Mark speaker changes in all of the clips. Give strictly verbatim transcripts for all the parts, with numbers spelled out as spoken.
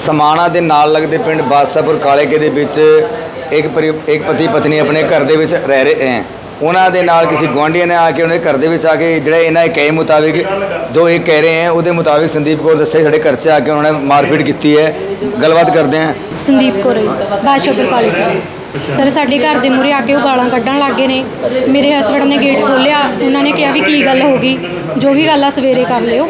Speaker 1: समाणा के नाल लगते पिंड बादशाहपुर कालेके दे विच एक परि एक पति पत्नी अपने घर दे विच रह रहे हैं। उन्होंने दे नाल किसी गुआढ़िया ने आके उन्हें घर दे विच आके जिहड़े इन्हां दे कहे मुताबिक जो ये कह रहे हैं उसके मुताबिक संदीप कौर दस्से साडे घर च आके उन्होंने मारपीट की है। गलबात करते हैं।
Speaker 2: संदीप कौर बादशाहपुर कालेके सर साडे घर दे मूहरे आके वो गालां कड्ढण लग गए ने। मेरे हसबैंड ने गेट खोलिया, उन्होंने कहा भी की गल हो गई, जो भी गल आ सवेरे कर लियो,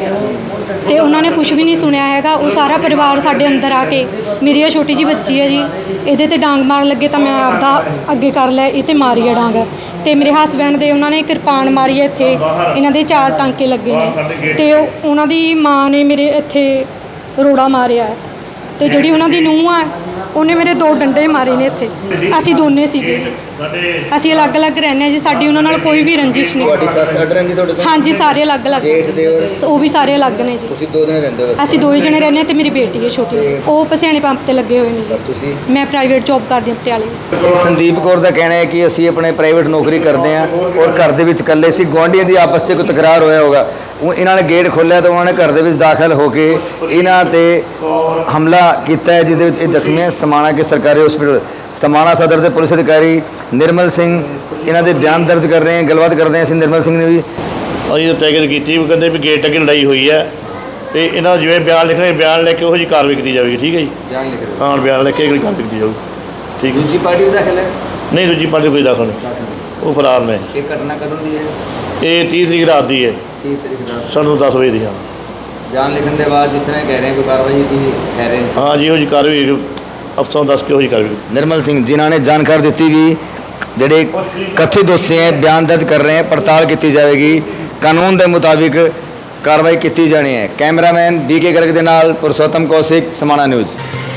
Speaker 2: तो उन्होंने कुछ भी नहीं सुनिया हैगा। वो सारा परिवार साडे अंदर आके, मेरी छोटी जी बच्ची है जी, ये ते डांग मार लगे तो मैं आपदा अगे कर लिया, ये मारी है डांग। तो मेरे हसबैंड दे उन्होंने किरपान मारी है, इत्थे इन्हां दे चार टांके लगे ने, तो उन्हां दी माँ ने मेरे इत्थे रोड़ा मारिया है, तो जिहड़ी उन्हां दी नूंह है उन्हें मेरे दो डंडे मारे ने। इत्थे असीं दोने सीगे जी, असीं अलग अलग रहने जी, साडी उन्हां नाल कोई भी रंजिश नहीं। हाँ जी, सारे अलग अलग, वो भी सारे अलग ने जी। असीं दो ही जने रहने ते मेरी बेटी है छोटी, वो पसियाणे पंप ते लगे हुए ने जी। मैं प्राइवेट जॉब करदी हां पटियाले।
Speaker 1: संदीप कौर का कहना है कि असीं अपने प्राइवेट नौकरी करते हैं और घर दे विच कल्ले सी, गुआढ़ियों की आपस में कोई तकरार होया होगा, इन्होंने गेट खोलिया तो उन्होंने घर दे विच दाखिल होकर इन्हां ते हमला किया है, जिस दे विच जख्मी है समाणा के सरकारी हॉस्पिटल। समाणा सदर के पुलिस अधिकारी निर्मल सिंह इन्हां दे बयान दर्ज कर रहे हैं। गलबात करते हैं असीं निर्मल सिंह ने भी।
Speaker 3: अभी तैकीद की भी कहते भी गेट अगे लड़ाई हुई है, तो इन्हों जिवें बयान लिखने बयान लिख के वो जी कार्रवाई की जाएगी। ठीक है जी,
Speaker 1: बयान लिख
Speaker 3: हाँ बयान लिख के कार्रवाई की जाएगी। ठीक है।
Speaker 1: दूसरी पार्टी भी दाखिल है?
Speaker 3: नहीं, दूसरी पार्टी कोई दाखिल नहीं, वो फरार ने।
Speaker 1: ये घटना कदों दी है?
Speaker 3: ये तीस तरीक रात की है,
Speaker 1: तीस तरीक रात
Speaker 3: सानू दस बजे की। हाँ,
Speaker 1: बयान लिखने के बाद जिस तरह कह रहे हैं कोई कार्रवाई की कह रहे हैं?
Speaker 3: हाँ जी, वो जी कार्रवाई अफसरों दस के हो जी कार्रवाई।
Speaker 1: निर्मल सिंह जिन्होंने जानकारी दी कि ਜਿਹੜੇ कथित दोषी हैं बयान दर्ज कर रहे हैं, पड़ताल की जाएगी, कानून के मुताबिक कार्रवाई की जानी है। कैमरामैन बी के गर्ग के नाल पुरुषोत्तम कौशिक, समाणा न्यूज़।